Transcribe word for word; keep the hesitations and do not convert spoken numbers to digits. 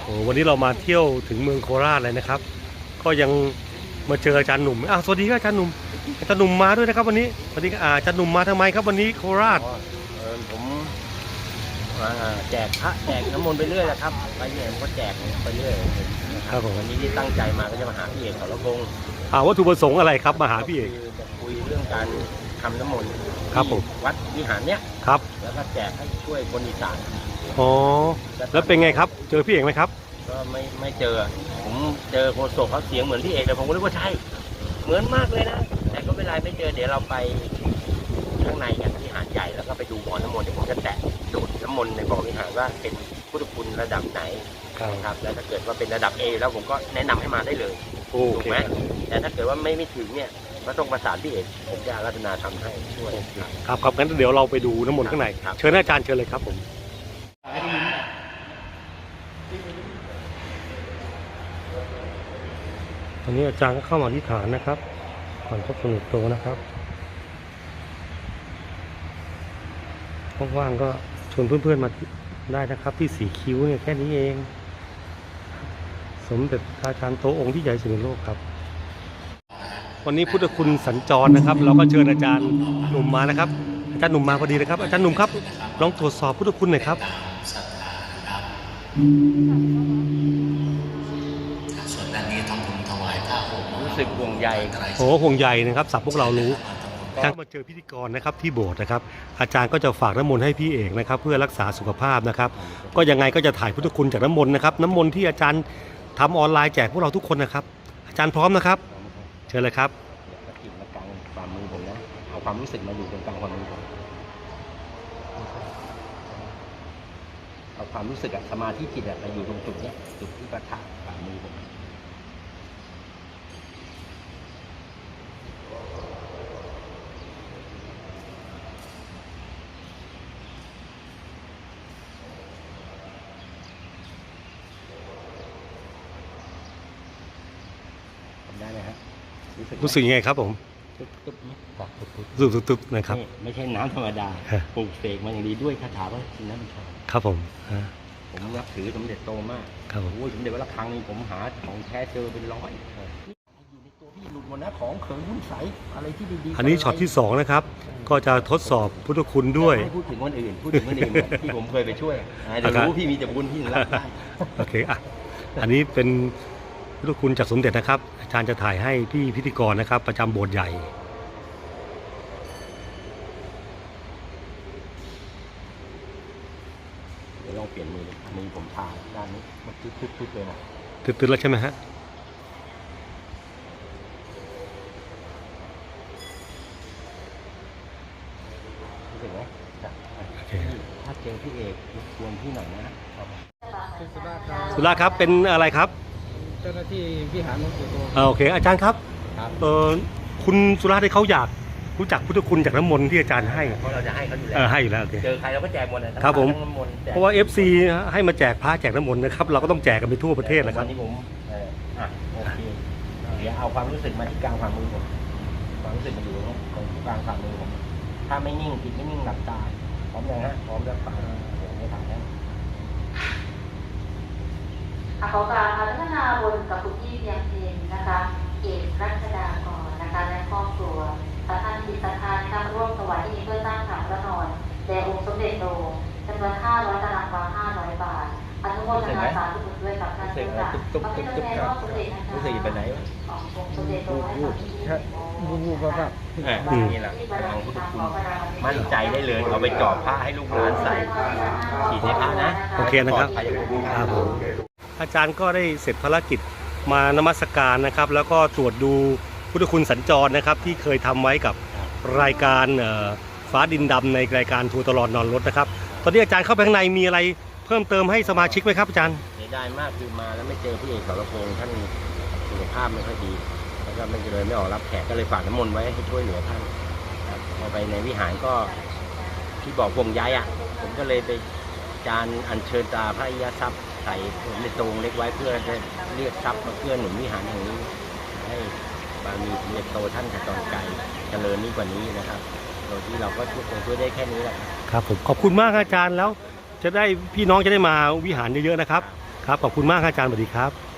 โอ้วันนี้เรามาเที่ยวถึงเมืองโคราชเลยนะครับก็ยังมาเจออาจารย์หนุ่มอ้าวสวัสดีครับอาจารย์หนุ่มอาจารย์หนุ่มมาด้วยนะครับวันนี้สวัสดีครับอาจารย์หนุ่มมาทำไมครับวันนี้โคราชเออผมแจกพระแจกน้ำมนต์ไปเรื่อยแหละครับไปเรื่อยผมก็แจกไปเรื่อยครับผมวันนี้ที่ตั้งใจมาก็จะมาหาพี่เอกสรพงษ์อ่าวัตถุประสงค์อะไรครับมาหาพี่เอกจะคุยเรื่องการทำน้ำมนต์ครับผมวัดวิหารเนี้ยครับแล้วก็แจกให้ช่วยคนอีสานอ๋อแล้วเป็นไงครับเจอพี่เอกไหมครับก็ไม่ไม่เจอผมเจอโฆษกเขาเสียงเหมือนพี่เอกแต่ผมก็นึกว่าใช่เหมือนมากเลยนะแต่ก็ไม่เป็นไรไม่เจอเดี๋ยวเราไปข้างในกันที่หาดใหญ่แล้วก็ไปดูบ่อน้ำมนต์เดี๋ยวผมจะแตะดูดน้ำมนต์ในบ่อวิหารว่าเป็นพุทธคุณระดับไหนครับแล้วถ้าเกิดว่าเป็นระดับ A แล้วผมก็แนะนำให้มาได้เลยถูกไหมแต่ถ้าเกิดว่าไม่ไม่ถึงเนี่ยก็ต้องประสานพี่เอกผมจะรัตนาทำให้ช่วยครับครับงั้นเดี๋ยวเราไปดูน้ำมนต์ข้างในเชิญอาจารย์เชิญเลยครับผมตอนนี้อาจารย์ก็เข้ามาที่ฐานนะครับก่อนพบสนุกโตนะครับว่างๆก็ชวนเพื่อนๆมาได้นะครับที่สีคิ้วเนี่ยแค่นี้เองสมเด็จพระอาจารย์โตองค์ที่ใหญ่สุดในโลกครับวันนี้พุทธคุณสัญจรนะครับเราก็เชิญอาจารย์หนุ่มมานะครับอาจารย์หนุ่มมาพอดีเลยครับอาจารย์หนุ่มครับลองตรวจสอบพุทธคุณหน่อยครับส่วนด้านนี้ทำบุญถวายผ้าห่มรู้สึกห่วงใยโอ้ห่วงใยนะครับสับพวกเรารู้การมาเจอพิธีกรนะครับที่โบสถ์นะครับอาจารย์ก็จะฝากน้ำมนต์ให้พี่เอกนะครับเพื่อรักษาสุขภาพนะครับก็ยังไงก็จะถ่ายพุทธคุณจากน้ำมนต์นะครับน้ำมนต์ที่อาจารย์ทำออนไลน์แจกพวกเราทุกคนนะครับอาจารย์พร้อมนะครับเชิญเลยครับกระถิ่นมากลางฝ่ามือผมนะเอาความรู้สึกมาอยู่ตรงกลางฝ่ามือผมเอาความรู้สึกอะสมาธิจิตอะมาอยู่ตรงจุดเนี้ยจุดที่ประทับฝ่ามือผมได้ไหมครับรู้สึกยังไงครับผมตุ๊บตุ๊บเนี่ยบอกตุ๊บตุ๊บตุ๊บตุ๊บตุ๊บนะครับไม่ใช่น้ำธรรมดาปลูกเสกมาอย่างดีด้วยคาถาว่าชินน้ำชาครับผมผมนับถือสมเด็จโตมากครับผมโอ้ยสมเด็จวัดระฆังนี่ผมหาของแท้เจอเป็นร้อยอยู่ในตัวพี่หลุดหมดนะของเขิงหุ้นใสอะไรที่ดีๆอันนี้ช็อตที่สองนะครับก็จะทดสอบพุทธคุณด้วยพูดถึงคนอื่นพูดถึงคนอื่นที่ผมเคยไปช่วยเดี๋ยวรู้พี่มีแต่บุญพี่ถึงรับได้โอเคอ่ะอันนี้เป็นพุทธคุณจากสมเด็จนะครับอาจารย์จะถ่ายให้พี่พิธีกรนะครับประจำโบสถ์ใหญ่เดี๋ยวลองเปลี่ยนมือมือผมชาด้านนี้มันตึ๊ดๆเลยนะตึ๊ดๆแล้วใช่ไหมฮะรู้สึกไหมถ้าเจอพี่เอกชวนพี่หน่อยนะสุราครับเป็นอะไรครับเจ้าหน้าที่วิหารหลวงปู่โตโอเคอาจารย์ครับเออคุณสุราที่เขาอยากรู้จักพุทธคุณจากน้ำมนต์ที่อาจารย์ให้เพราะเราจะให้เขาอยู่แล้วให้อยู่แล้วโอเคเจอใครเราก็แจกหมดนะครับผมเพราะว่า เอฟ ซี ให้มาแจกพระแจกน้ำมนต์นะครับเราก็ต้องแจกกันไปทั่วประเทศแหละครับวันนี้ผมอ่ะโอเคเดี๋ยวเอาความรู้สึกมาที่กลางฝ่ามือผมความรู้สึกมาอยู่ตรงกลางฝ่ามือผมถ้าไม่นิ่งจิตไม่นิ่งหลับตาพร้อมยังฮะพร้อมแล้วฟังเดี๋ยวไม่ถ่ายแล้วขอกราบอารัธนาบุญกับคุณพี่เพียงเพนนะคะเอกรัชดากรนะคะและครอบครัวท่านจิตศรัทธานะคะร่วมถวายที่นี้เพื่อสร้างฐานพระนอนแด่องค์สมเด็จโตจำนวนห้าร้อยตารางวาห้าร้อยบาทอนุโมทนาสาธุบุญด้วยกับท่านทุกท่านพระพิฆเนศรอบสมเด็จนะคะรู้สึกไปไหนวะขององค์สมเด็จโตให้กับที่บูบูก็แบบนี่แหละของพุทธคุณมั่นใจได้เลยเอาไปจอดผ้าให้ลูกหลานใส่ฉีดในผ้านะโอเคนะครับครับผมอาจารย์ก็ได้เสร็จภารกิจมานมัสการนะครับแล้วก็ตรวจดูพุทธคุณสัญจรนะครับที่เคยทำไว้กับรายการฟ้าดินดำในรายการทัวร์ตลอดนอนรถนะครับตอนนี้อาจารย์เข้าไปข้างในมีอะไรเพิ่มเติมให้สมาชิกไหมครับอาจารย์เสียดายมากคือมาแล้วไม่เจอพี่เอกสรพงษ์ท่านสุขภาพไม่ค่อยดีแล้วก็ไม่เลยไม่ออกรับแขกก็เลยฝากน้ำมนต์ไว้ให้ช่วยเหลือท่านพอไปในวิหารก็ที่บอกวงย้ายอ่ะผมก็เลยไปจานอัญเชิญตาพระอิยทรัพย์ใส่ในตรงเล็กไว้เพื่อจะเรียกทรัพย์มาเพื่อหนุนวิหารแห่งนี้ให้บารมีสมเด็จโตท่านขจรไกรเจริญนี้กว่านี้นะครับโดยที่เราก็ช่วยช่วยได้แค่นี้แหละครับผมขอบคุณมากอาจารย์แล้วจะได้พี่น้องจะได้มาวิหารเยอะๆนะครับครับขอบคุณมากครับอาจารย์สวัสดีครับ